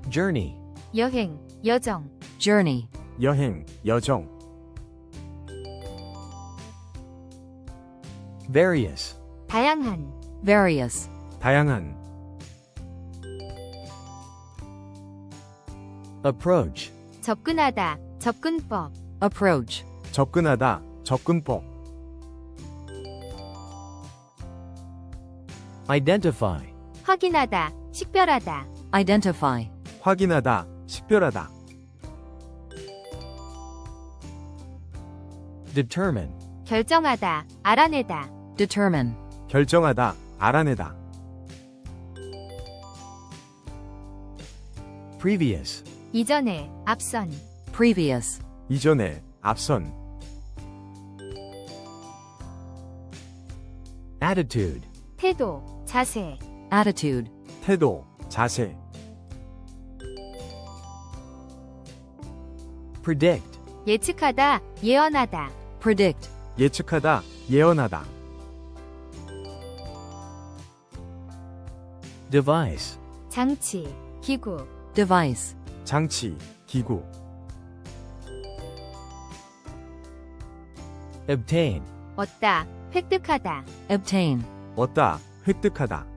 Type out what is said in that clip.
journey, 여행, 여정, journey, 여행, 여정, various, 다양한, various, 다양한, approach, 접근하다, 접근법, approach, 접근하다, 접근법, identify, 확인하다, 식별하다, identify, 확인하다, 식별하다, determine, 결정하다, 알아내다, determine, 결정하다, 알아내다, previous, 이전에, 앞선, previous, 이전에, 앞선, attitude, 태도, 자세, attitude, 태도, 자세, predict, 예측하다, 예언하다, predict, 예측하다, 예언하다, device, 장치, 기구, device, 장치, 기구, obtain, 얻다, 획득하다, obtain, 얻다, 획득하다,